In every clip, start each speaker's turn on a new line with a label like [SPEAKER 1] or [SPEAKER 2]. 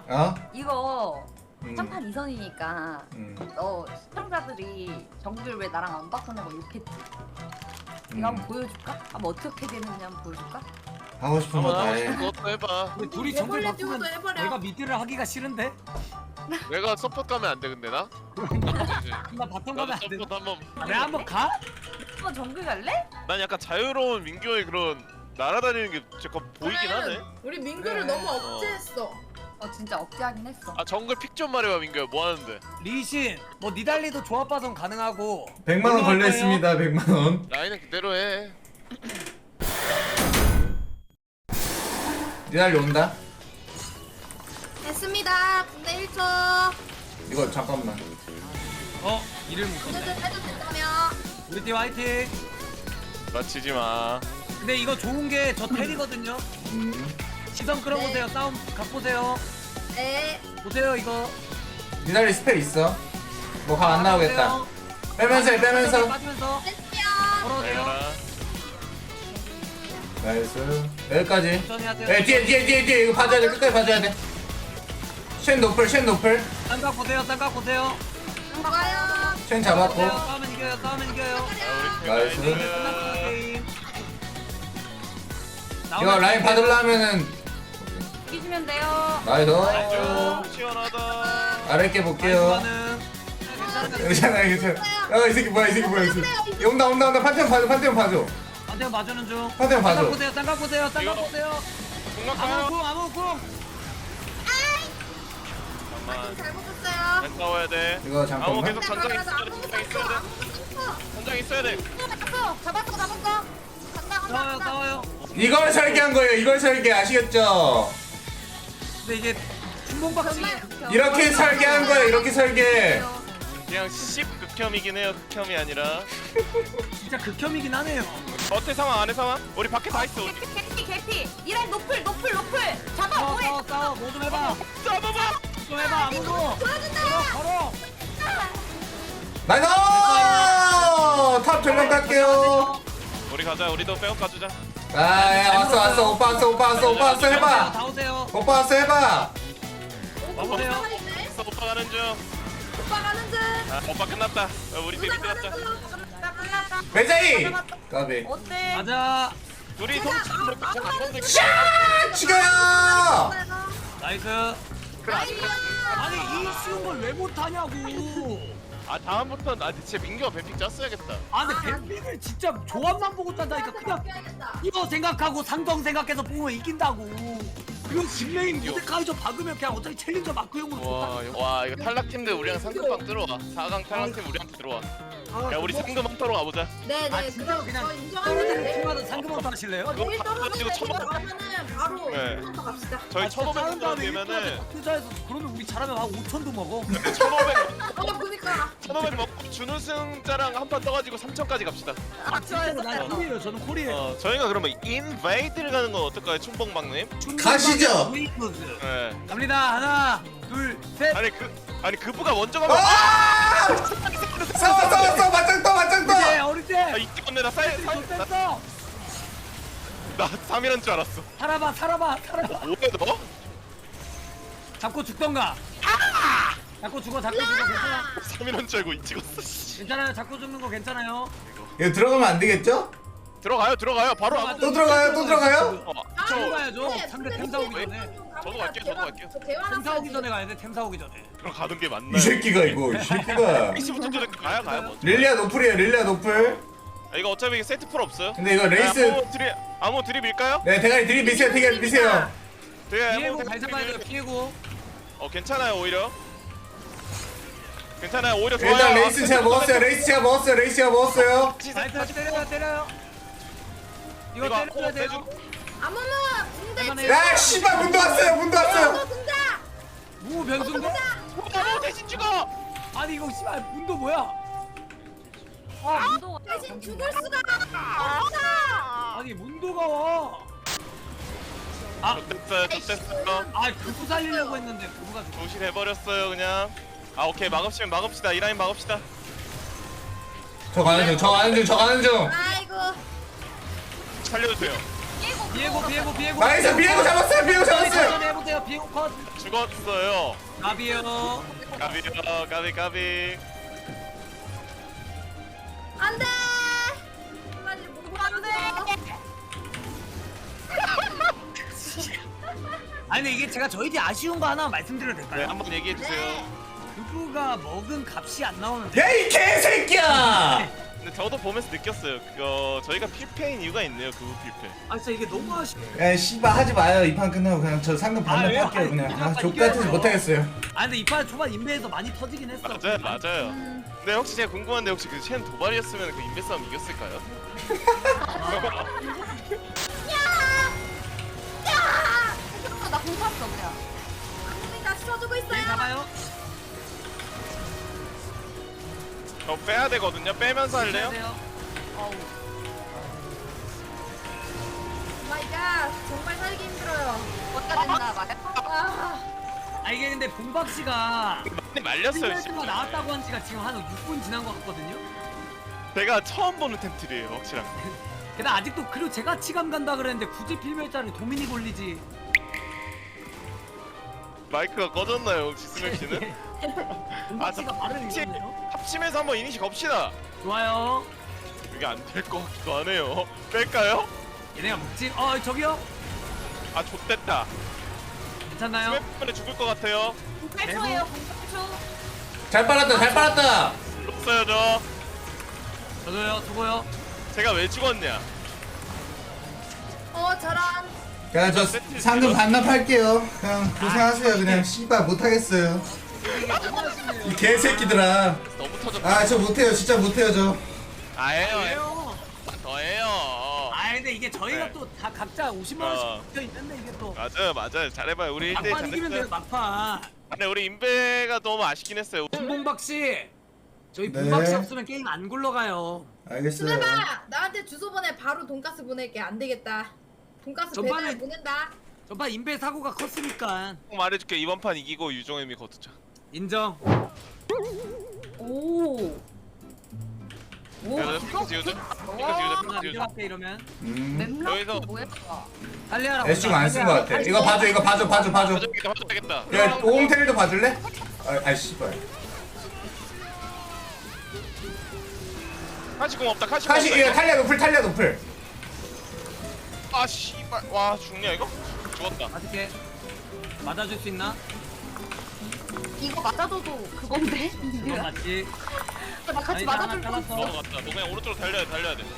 [SPEAKER 1] 어?
[SPEAKER 2] 이거 한판 2선이니까 너 시청자들이 정글 왜 나랑 안 바꾸냐고 욕했지. 이거 한번 보여줄까? 한번 어떻게 되는지 한번 보여줄까?
[SPEAKER 1] 하고 싶은 거 다
[SPEAKER 3] 하고
[SPEAKER 1] 해.
[SPEAKER 3] 싶은 것도 해봐.
[SPEAKER 4] 우리 둘이 정글
[SPEAKER 5] 해볼래
[SPEAKER 4] 바꾸면
[SPEAKER 5] 듀오도 해버려.
[SPEAKER 4] 내가 미드를 하기가 싫은데?
[SPEAKER 3] 내가 서포트 가면 안 돼 근데 나?
[SPEAKER 4] 나 바텀 가면
[SPEAKER 3] 나도
[SPEAKER 4] 안 돼.
[SPEAKER 3] 서포트 한번.
[SPEAKER 4] 내가 한번 가?
[SPEAKER 2] 한번 정글 갈래?
[SPEAKER 3] 난 약간 자유로운 민규의 그런 날아다니는 게 잠깐 보이긴 하네.
[SPEAKER 5] 우리 민규를
[SPEAKER 4] 그래.
[SPEAKER 5] 너무 억제했어.
[SPEAKER 2] 진짜 억제하긴 했어.
[SPEAKER 3] 아 정글 픽 좀 말해봐 민규야 뭐 하는데?
[SPEAKER 4] 리신 뭐 니달리도 조합 봐선 가능하고
[SPEAKER 1] 100만 원 걸려 있습니다. 100만 원.
[SPEAKER 3] 라인은 그대로 해.
[SPEAKER 1] 니달리 온다.
[SPEAKER 5] 됐습니다. 군대 1초.
[SPEAKER 1] 이거 잠깐만.
[SPEAKER 4] 이를 못
[SPEAKER 5] 군대
[SPEAKER 4] 썼네.
[SPEAKER 5] 해도 된다며.
[SPEAKER 4] 우리 팀 화이팅.
[SPEAKER 3] 다치지 마.
[SPEAKER 4] 근데 이거 좋은 게 저 텔이거든요. 시선 끌어보세요.
[SPEAKER 5] 네.
[SPEAKER 4] 싸움 각 보세요.
[SPEAKER 5] 네.
[SPEAKER 4] 보세요 이거.
[SPEAKER 1] 니달리 스펠 있어. 뭐 각 안 나오겠다.
[SPEAKER 4] 보세요.
[SPEAKER 1] 빼면서 해, 빼면서.
[SPEAKER 4] 빠지면서
[SPEAKER 5] 됐어요.
[SPEAKER 4] 걸어주세요.
[SPEAKER 3] 내가라.
[SPEAKER 1] 나이스. 여기까지.
[SPEAKER 4] 천천히 하세요.
[SPEAKER 1] 에 뒤에 이거 봐줘야 돼. 끝까지 봐줘야 돼. 쉔 노플.
[SPEAKER 4] 쌍각 보세요. 쌍각 보세요.
[SPEAKER 5] 좋아요.
[SPEAKER 1] 쉔 잡았고.
[SPEAKER 4] 보세요. 싸우면 이겨요. 싸우면 이겨요.
[SPEAKER 3] 아, 우리
[SPEAKER 1] 나이스.
[SPEAKER 4] 끝났어 게임.
[SPEAKER 1] 이거 라인 받으려면은
[SPEAKER 2] 이기시면 돼요.
[SPEAKER 1] 나이스.
[SPEAKER 3] 좀 시원하다.
[SPEAKER 1] 아랫게 볼게요. 괜찮아. 이 새끼 뭐야 이 새끼. 온다. 판테온 봐줘.
[SPEAKER 4] 반대편 봐주는 중.
[SPEAKER 1] 판테온 봐줘.
[SPEAKER 4] 쌍각 보세요. 쌍각
[SPEAKER 3] 이거.
[SPEAKER 4] 보세요.
[SPEAKER 3] 공략가요?
[SPEAKER 4] 아무 궁.
[SPEAKER 3] 잠깐만.
[SPEAKER 5] 잘 먹었어요.
[SPEAKER 3] 잘 싸워야 돼.
[SPEAKER 1] 이거
[SPEAKER 3] 아무
[SPEAKER 1] 잠깐만.
[SPEAKER 3] 계속 전장 있어야 돼. 전장 있어야 돼.
[SPEAKER 5] 잡았어. 간다.
[SPEAKER 4] 싸워요.
[SPEAKER 1] 이걸 설계한 거예요. 이걸 설계 아시겠죠?
[SPEAKER 4] 근데 이게 춘봉박치
[SPEAKER 1] 이렇게 설계한 거예요. 이렇게 설계.
[SPEAKER 3] 그냥 10 극혐이긴 해요. 극혐이 아니라.
[SPEAKER 4] 진짜 극혐이긴 하네요.
[SPEAKER 3] 어때 상황 안에 상황? 우리 밖에 다 있어. 우리.
[SPEAKER 2] 개피. 이란 노플. 잡아 뭐해?
[SPEAKER 4] 싸워. 뭐 좀 해봐.
[SPEAKER 3] 싸워봐.
[SPEAKER 4] 좀 해봐. 아무도. 걸어.
[SPEAKER 1] 나이스! 탑 전령 갈게요.
[SPEAKER 3] 우리 가자. 우리도 백업 가주자.
[SPEAKER 1] 아, 예, 왔어. 오빠 왔어. 해봐.
[SPEAKER 4] 다 오세요.
[SPEAKER 1] 오빠 왔어. 해봐.
[SPEAKER 4] 와보세요.
[SPEAKER 3] 있어 오빠 가는 중.
[SPEAKER 5] 오빠 가는 중.
[SPEAKER 3] 아 오빠 끝났다. 우리 팀이 끝났다.
[SPEAKER 2] 끝났다.
[SPEAKER 1] 매자이. 까비.
[SPEAKER 2] 어때?
[SPEAKER 4] 가자.
[SPEAKER 3] 둘이 손 놓고 한번
[SPEAKER 1] 샤! 죽여요.
[SPEAKER 4] 나이스. 아니 이 쉬운 걸 왜 못하냐고.
[SPEAKER 3] 아 다음부터는 나 진짜 민규가 뱀픽 짰어야겠다.
[SPEAKER 4] 아 근데 뱀픽을 진짜 조합만 보고 짠다니까 그냥 이거 생각하고 상성 생각해서 보면 이긴다고. 이거 진메인 모데카이저 박으면 그냥 어차피 챌린저 마크용으로 좋다.
[SPEAKER 3] 와 이거 탈락팀들 우리랑 상금방 들어와. 4강 탈락팀 우리한테 들어와. 야 우리 상금 한타로 가보자.
[SPEAKER 5] 네네.
[SPEAKER 4] 아 진짜로 그냥
[SPEAKER 5] 저 인정하는데.
[SPEAKER 4] 팀마다 상금부터 하실래요?
[SPEAKER 3] 그거
[SPEAKER 5] 내일
[SPEAKER 3] 바로
[SPEAKER 5] 떨어지고
[SPEAKER 3] 치고
[SPEAKER 5] 가면은 바로
[SPEAKER 3] 네.
[SPEAKER 5] 한번 갑시다.
[SPEAKER 3] 저희
[SPEAKER 4] 아,
[SPEAKER 3] 1,500 원 되면은
[SPEAKER 4] 투자해서 그러면 우리 잘하면 한 5천도 먹어.
[SPEAKER 5] 그니까.
[SPEAKER 3] 1,500 먹고 준우승자랑 한 판 떠가지고 3,000까지 갑시다.
[SPEAKER 4] 진짜로 난 콜이에요. 저는 콜이에요.
[SPEAKER 3] 저희가 그러면 인베이드를 가는 건 어떨까요, 춘봉방님?
[SPEAKER 1] 가시죠.
[SPEAKER 3] 네.
[SPEAKER 4] 갑니다. 하나, 둘, 셋.
[SPEAKER 3] 아니 그부가 먼저 가면
[SPEAKER 1] 아! 싸워. 맞짱 떠.
[SPEAKER 4] 이제 어릴 때.
[SPEAKER 3] 아 이때 건데 나
[SPEAKER 4] 뺐어.
[SPEAKER 3] 3이란 줄 알았어.
[SPEAKER 4] 살아봐.
[SPEAKER 3] 뭐해 너?
[SPEAKER 4] 잡고 죽던가. 잡고 죽어 괜찮아.
[SPEAKER 3] 3이란 줄 알고 이 찍었어. 씨.
[SPEAKER 4] 괜찮아요. 잡고 죽는 거 괜찮아요.
[SPEAKER 1] 이거 들어가면 안 되겠죠?
[SPEAKER 3] 들어가요. 바로
[SPEAKER 4] 들어가.
[SPEAKER 3] 아무.
[SPEAKER 1] 또 들어가요?
[SPEAKER 4] 저 가야죠. 상대 템사 오기 전에.
[SPEAKER 3] 저도 갈게요.
[SPEAKER 4] 템사 오기 전에 가야 돼. 템사 오기 전에.
[SPEAKER 3] 들어가는 게 맞나요?
[SPEAKER 1] 이 새끼가.
[SPEAKER 3] 20부터 전에 가요 먼저.
[SPEAKER 1] 릴리아 노플.
[SPEAKER 3] 아, 이거 어차피 세트 풀 없어요.
[SPEAKER 1] 근데 이거 레이스.
[SPEAKER 3] 아무 드립일까요?
[SPEAKER 1] 네, 대가리 드립 미세요.
[SPEAKER 4] 피해고 잘 잡아야 돼요. 피해고.
[SPEAKER 3] 괜찮아요 오히려. 오히려 좋아요.
[SPEAKER 1] 일단 레이스 제가 먹었어요.
[SPEAKER 4] 나이스 때려요. 이거 때려야 돼요.
[SPEAKER 5] 아무나 군대.
[SPEAKER 4] 할만해요.
[SPEAKER 1] 야, 씨발 문도 왔어요.
[SPEAKER 5] 군대.
[SPEAKER 4] 무 변수인가?
[SPEAKER 3] 대신 죽어.
[SPEAKER 4] 아니 이거 씨발 문도 뭐야?
[SPEAKER 2] 문도가
[SPEAKER 5] 대신 죽을 수가 없어.
[SPEAKER 4] 아니 문도가 와.
[SPEAKER 3] 됐어요.
[SPEAKER 4] 그거 살리려고 했는데 그거가 죽어.
[SPEAKER 3] 부실해버렸어요 그냥. 오케이 막읍시다. 이 라인 막읍시다.
[SPEAKER 1] 저 가는 중.
[SPEAKER 5] 아이고.
[SPEAKER 3] 살려주세요.
[SPEAKER 4] 비에고.
[SPEAKER 1] 나이스. 비에고 잡았어요.
[SPEAKER 4] 천천히 해보세요. 하세요. 비용 컷.
[SPEAKER 3] 죽었어요.
[SPEAKER 4] 나비요.
[SPEAKER 3] 까비.
[SPEAKER 5] 안돼. 빨리 못 안돼.
[SPEAKER 4] 아니 근데 이게 제가 저희 팀 아쉬운 거 하나 말씀드려도
[SPEAKER 3] 네,
[SPEAKER 4] 될까요?
[SPEAKER 3] 한번 얘기해 주세요.
[SPEAKER 4] 누구가 먹은 값이 안 나오는데.
[SPEAKER 1] 야 이 개새끼야!
[SPEAKER 3] 근데 저도 보면서 느꼈어요. 그거 저희가 필패인 이유가 있네요. 그 필패.
[SPEAKER 4] 아 진짜 이게 너무 아쉬워.
[SPEAKER 1] 야 씨발 하지 마요. 이 판 끝나고 그냥 저 상금
[SPEAKER 4] 아,
[SPEAKER 1] 반납
[SPEAKER 4] 왜요?
[SPEAKER 1] 할게요 그냥.
[SPEAKER 4] 이겼다,
[SPEAKER 1] 족같아서
[SPEAKER 4] 이겨야죠.
[SPEAKER 1] 못하겠어요.
[SPEAKER 4] 아 근데 이판 초반 인베에서 많이 터지긴 했어.
[SPEAKER 3] 맞아요. 근데 혹시 제가 궁금한데 혹시 그 챈 도발이었으면 그 인베 싸움 이겼을까요?
[SPEAKER 2] 나 공탔어 그냥.
[SPEAKER 5] 나 쏘주고
[SPEAKER 4] 네,
[SPEAKER 5] 있어요.
[SPEAKER 4] 잡아요.
[SPEAKER 3] 저 빼야 되거든요. 빼면서 할래요?
[SPEAKER 2] 어우.
[SPEAKER 5] 마이 갓. 정말 살기 힘들어요.
[SPEAKER 2] 어디가 됐나 말해.
[SPEAKER 4] 아 이게 근데 봉박 씨가
[SPEAKER 3] 많이 말렸어요.
[SPEAKER 4] 가
[SPEAKER 3] 진짜.
[SPEAKER 4] 나왔다고 한 지가 지금 한 6분 지난 것 같거든요.
[SPEAKER 3] 제가 처음 보는 템트리에요, 확실한.
[SPEAKER 4] 게다가 아직도 그리고 제가 치감 간다 그랬는데 굳이 필멸자를 도미니 걸리지.
[SPEAKER 3] 마이크가 꺼졌나요, 혹시 스맥 씨는?
[SPEAKER 4] 봉박 씨가 말을
[SPEAKER 3] 혹시
[SPEAKER 4] 잃었네요.
[SPEAKER 3] 합심해서 한번 이니시 겁시다.
[SPEAKER 4] 좋아요.
[SPEAKER 3] 이게 안 될 것 같기도 하네요. 뺄까요?
[SPEAKER 4] 얘네가 묵지. 저기요.
[SPEAKER 3] 아, 좆됐다.
[SPEAKER 4] 괜찮나요?
[SPEAKER 3] 스맥 때문에 죽을 것 같아요.
[SPEAKER 2] 8초예요 8초.
[SPEAKER 1] 잘 빨았다.
[SPEAKER 3] 없어요, 저.
[SPEAKER 4] 저도요. 수고요.
[SPEAKER 3] 제가 왜 죽었냐?
[SPEAKER 5] 저런.
[SPEAKER 1] 그냥 저 상금 반납할게요. 그냥 고생하세요. 그냥 씨발 못하겠어요. 이 개새끼들아.
[SPEAKER 3] 너무 터졌다.
[SPEAKER 1] 아 저 못해요. 진짜 못해요 저.
[SPEAKER 3] 아예요.
[SPEAKER 4] 왜요?
[SPEAKER 3] 더해요.
[SPEAKER 4] 아 근데 이게 저희가
[SPEAKER 3] 네.
[SPEAKER 4] 또 다 각자 50만 원씩
[SPEAKER 3] 어.
[SPEAKER 4] 붙어 있는데 이게 또
[SPEAKER 3] 맞아요. 잘해봐요. 우리 1대1
[SPEAKER 4] 막판 이기면 돼요.
[SPEAKER 3] 잘했어요.
[SPEAKER 4] 막판.
[SPEAKER 3] 근데 우리 인베가 너무 아쉽긴 했어요.
[SPEAKER 4] 김봉박 씨. 저희
[SPEAKER 1] 네.
[SPEAKER 4] 봉박 씨 없으면 게임 안 굴러가요.
[SPEAKER 1] 알겠어요.
[SPEAKER 5] 수메바 나한테 주소 보내. 바로 돈가스 보낼게. 안 되겠다. 돈가스
[SPEAKER 4] 전반에-
[SPEAKER 5] 배달 보낸다.
[SPEAKER 4] 저번 인베 사고가 컸으니까
[SPEAKER 3] 꼭 말해줄게. 이번 판 이기고 유종의미 거두자.
[SPEAKER 4] 인정.
[SPEAKER 2] 오. 오.
[SPEAKER 3] 야, 핑크 지우자. 핑크 지우자.
[SPEAKER 4] 인정할게 이러면.
[SPEAKER 2] 맵라프
[SPEAKER 3] 여기서-
[SPEAKER 2] 뭐야?
[SPEAKER 4] 달리하라고.
[SPEAKER 1] 애쉬 안쓴 거 같아. 이거 봐줘. 봐줘.
[SPEAKER 3] 봐줘야겠다.
[SPEAKER 1] 야 오홍텔도 봐줄래? 아 씨발.
[SPEAKER 3] 카시공 없다. 카시공
[SPEAKER 1] 카시
[SPEAKER 3] 없다.
[SPEAKER 1] 이거 탈리아 노플.
[SPEAKER 3] 아 씨발. 와 죽냐 이거? 죽었다.
[SPEAKER 4] 맞을게. 맞아줄 수 있나?
[SPEAKER 2] 이거 맞아줘도 그건데?
[SPEAKER 4] 이건 맞지.
[SPEAKER 2] 나 같이
[SPEAKER 4] 아니,
[SPEAKER 2] 맞아줄
[SPEAKER 4] 잘랐어.
[SPEAKER 2] 거.
[SPEAKER 3] 넘어갔다. 너 그냥 오른쪽으로 달려야 돼.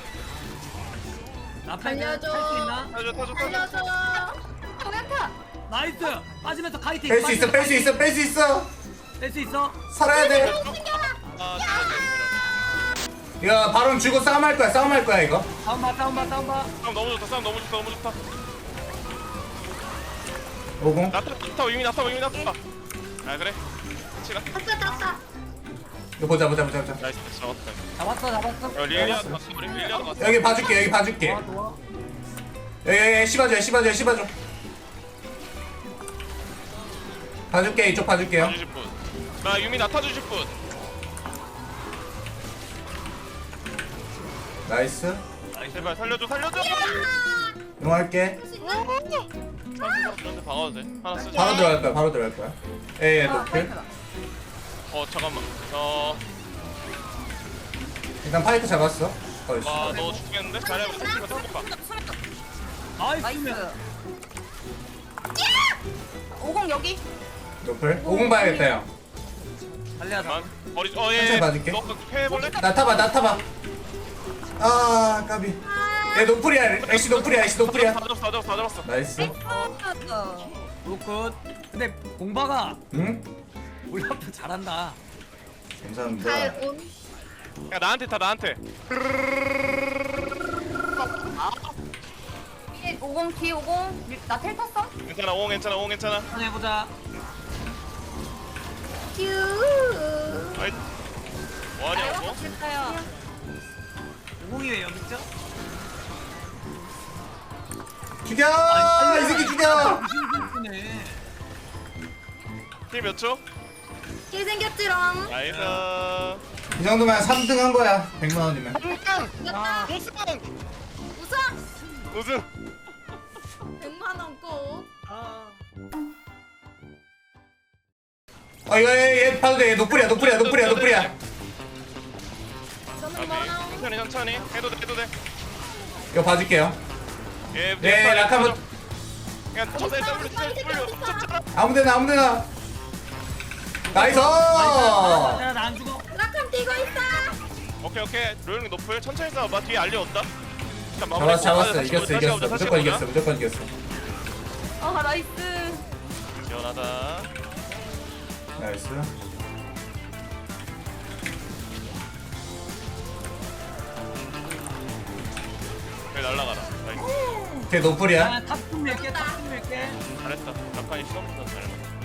[SPEAKER 4] 나팔면
[SPEAKER 5] 달려줘.
[SPEAKER 4] 할수 있나?
[SPEAKER 3] 타줘.
[SPEAKER 5] 살려줘.
[SPEAKER 2] 정약타.
[SPEAKER 4] 나이스. 빠지면서 카이팅.
[SPEAKER 1] 뺄 수 있어.
[SPEAKER 4] 뺄 수 있어.
[SPEAKER 1] 살아야 돼.
[SPEAKER 3] 아
[SPEAKER 1] 이거 바론 주고 싸움할 거야 이거.
[SPEAKER 4] 다운 봐.
[SPEAKER 3] 싸움 너무 좋다.
[SPEAKER 1] 오공.
[SPEAKER 3] 나타 이미 나타. 아 그래. 치라.
[SPEAKER 5] 땄다.
[SPEAKER 1] 이거 보자.
[SPEAKER 3] 나이스 잡았다.
[SPEAKER 4] 잡았어.
[SPEAKER 3] 릴리아도 갔어. 릴리아도 갔어.
[SPEAKER 1] 여기 봐줄게.
[SPEAKER 4] 좋아.
[SPEAKER 1] 여기 씹어줘. 봐줄게 이쪽 봐줄게요.
[SPEAKER 3] 주실 분. 나 유미 나타 주실 분.
[SPEAKER 1] 나이스.
[SPEAKER 3] 제발 살려줘.
[SPEAKER 1] 이용할게.
[SPEAKER 3] 저한테 박아도 돼. 하나 쓰자.
[SPEAKER 1] 바로 들어갈 거야. 예 노플.
[SPEAKER 3] 잠깐만.
[SPEAKER 1] 일단 파이크 잡았어.
[SPEAKER 3] 너 죽겠는데? 잘해봐. 봐.
[SPEAKER 4] 나이스.
[SPEAKER 2] 나이스. 50 여기.
[SPEAKER 1] 노플. 오공 봐야겠다 형.
[SPEAKER 4] 달리하자.
[SPEAKER 3] 머리.
[SPEAKER 1] 천천히 봐줄게.
[SPEAKER 3] 너 패해볼래?
[SPEAKER 1] 나 타봐. 아 까비. 얘 노플이야. 애쉬 노플이야.
[SPEAKER 3] 다 잡았어.
[SPEAKER 1] 나이스.
[SPEAKER 4] 굿. 근데 공바가
[SPEAKER 1] 응?
[SPEAKER 4] 올라프 잘한다.
[SPEAKER 1] 감사합니다.
[SPEAKER 5] 잘온.
[SPEAKER 3] 야 나한테.
[SPEAKER 2] 뒤에 50. 나 텔 탔어?
[SPEAKER 3] 괜찮아. 옹 괜찮아.
[SPEAKER 4] 한번 해보자.
[SPEAKER 5] 큐.
[SPEAKER 3] 아이. 뭐하냐고?
[SPEAKER 2] 됐어요.
[SPEAKER 4] 오공이 왜 여기 있죠?
[SPEAKER 1] 죽여! 이 새끼 죽여!
[SPEAKER 4] 네.
[SPEAKER 3] 힐몇 초?
[SPEAKER 5] 길 생겼지롱.
[SPEAKER 3] 나이스.
[SPEAKER 1] 이 정도면 3등 한 거야. 100만 원이면.
[SPEAKER 5] 됐다.
[SPEAKER 3] 우승.
[SPEAKER 5] 우승. 100만 원 꼭.
[SPEAKER 4] 아.
[SPEAKER 1] 이거 얘 봐도 돼. 얘 노플이야.
[SPEAKER 5] 저는
[SPEAKER 3] 오케이.
[SPEAKER 5] 뭐나
[SPEAKER 3] 천천히 해도 돼.
[SPEAKER 1] 이거 봐줄게요.
[SPEAKER 3] 예,
[SPEAKER 1] 네, 라카모
[SPEAKER 3] 그냥 쳐서 W 쳤잖아.
[SPEAKER 1] 아무데나. 나이스.
[SPEAKER 4] 나안 죽어.
[SPEAKER 5] 라칸 뛰고 있어.
[SPEAKER 3] 오케이. 로영이 높을 천천히 싸워봐. 뒤에 알리 온다.
[SPEAKER 1] 잡았어. 이겼어. 무조건 이겼어.
[SPEAKER 2] 나이스.
[SPEAKER 3] 시원하다.
[SPEAKER 1] 나이스.
[SPEAKER 3] 그래 날라가라. 나이스.
[SPEAKER 1] 걔 노플이야.
[SPEAKER 4] 탑좀 밀게.
[SPEAKER 3] 잘했다. 라칸이 수업부터 잘.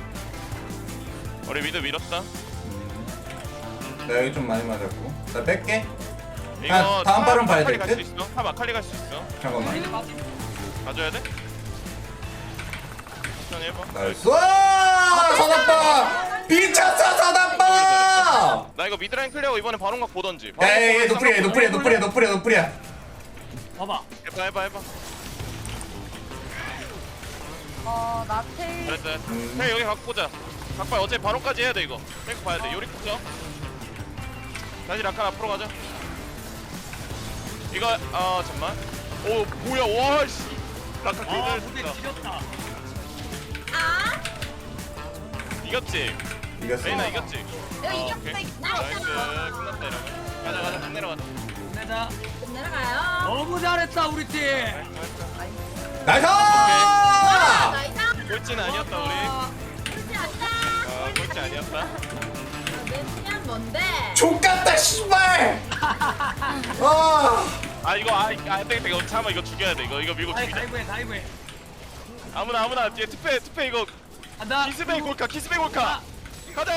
[SPEAKER 3] 우리 미드 밀었다.
[SPEAKER 1] 나 여기 좀 많이 맞았고. 나 뺄게.
[SPEAKER 3] 이거
[SPEAKER 1] 다음 발은 봐야
[SPEAKER 3] 아칼리
[SPEAKER 1] 될
[SPEAKER 3] 갈수
[SPEAKER 1] 듯?
[SPEAKER 3] 있어. 탑 아칼리 갈 수 있어.
[SPEAKER 1] 잠깐만.
[SPEAKER 3] 가져야 돼? 천천히 해봐.
[SPEAKER 1] 나이스. 서답바. 미쳤어 서답바.
[SPEAKER 3] 나 이거 미드라인 클리어하고 이번에 바론각 보던지.
[SPEAKER 1] 얘 노플이야.
[SPEAKER 4] 봐봐.
[SPEAKER 3] 해봐.
[SPEAKER 2] 나 테일.
[SPEAKER 3] 잘했어. 형 여기 갖고 보자. 각발 어차피 바론까지 해야 돼 이거. 백 봐야 돼. 요리 푸죠. 다시 라칸 앞으로 가자. 이거 잠만. 오 뭐야 와 씨. 라칸
[SPEAKER 4] 아,
[SPEAKER 3] 기다려
[SPEAKER 4] 근데
[SPEAKER 3] 진짜.
[SPEAKER 4] 지렸다.
[SPEAKER 5] 아,
[SPEAKER 3] 이겼지.
[SPEAKER 1] 이겼어.
[SPEAKER 3] 레이나 이겼지.
[SPEAKER 2] 여기
[SPEAKER 3] 오케이.
[SPEAKER 2] 이겼어.
[SPEAKER 3] 나이스. 끝났다 이러면. 가자. 딱 내려가자.
[SPEAKER 4] 내자.
[SPEAKER 5] 내려가요.
[SPEAKER 4] 너무 잘했다 우리 팀.
[SPEAKER 1] 나이스.
[SPEAKER 5] 나이스.
[SPEAKER 3] 꼴찌는 아니었다 우리.
[SPEAKER 5] 그렇지 않다.
[SPEAKER 3] 꼴찌 아니었다.
[SPEAKER 5] 내 팀은 뭔데?
[SPEAKER 1] 족같다 씨발.
[SPEAKER 3] 아 이거 안 되겠다 이거 참아 이거 죽여야 돼 이거 밀고 죽이자.
[SPEAKER 4] 다이브해.
[SPEAKER 3] 아무나 뒤에 투페 이거
[SPEAKER 4] 간다.
[SPEAKER 3] 키스베이 골카 가자.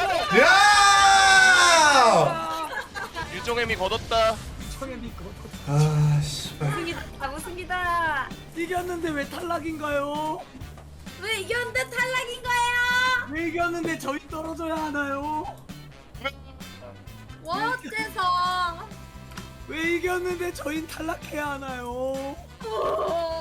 [SPEAKER 1] 야.
[SPEAKER 3] 유종애미 걷었다.
[SPEAKER 4] 청현이 그거
[SPEAKER 1] 씨발.
[SPEAKER 2] 우승이다.
[SPEAKER 4] 이겼는데 왜 탈락인가요?
[SPEAKER 5] 왜 이겼는데 탈락인 거예요?
[SPEAKER 4] 왜 이겼는데 저희 떨어져야 하나요?
[SPEAKER 5] 어째서?
[SPEAKER 4] 왜 이겼는데 저희 탈락해야 하나요?
[SPEAKER 5] 오.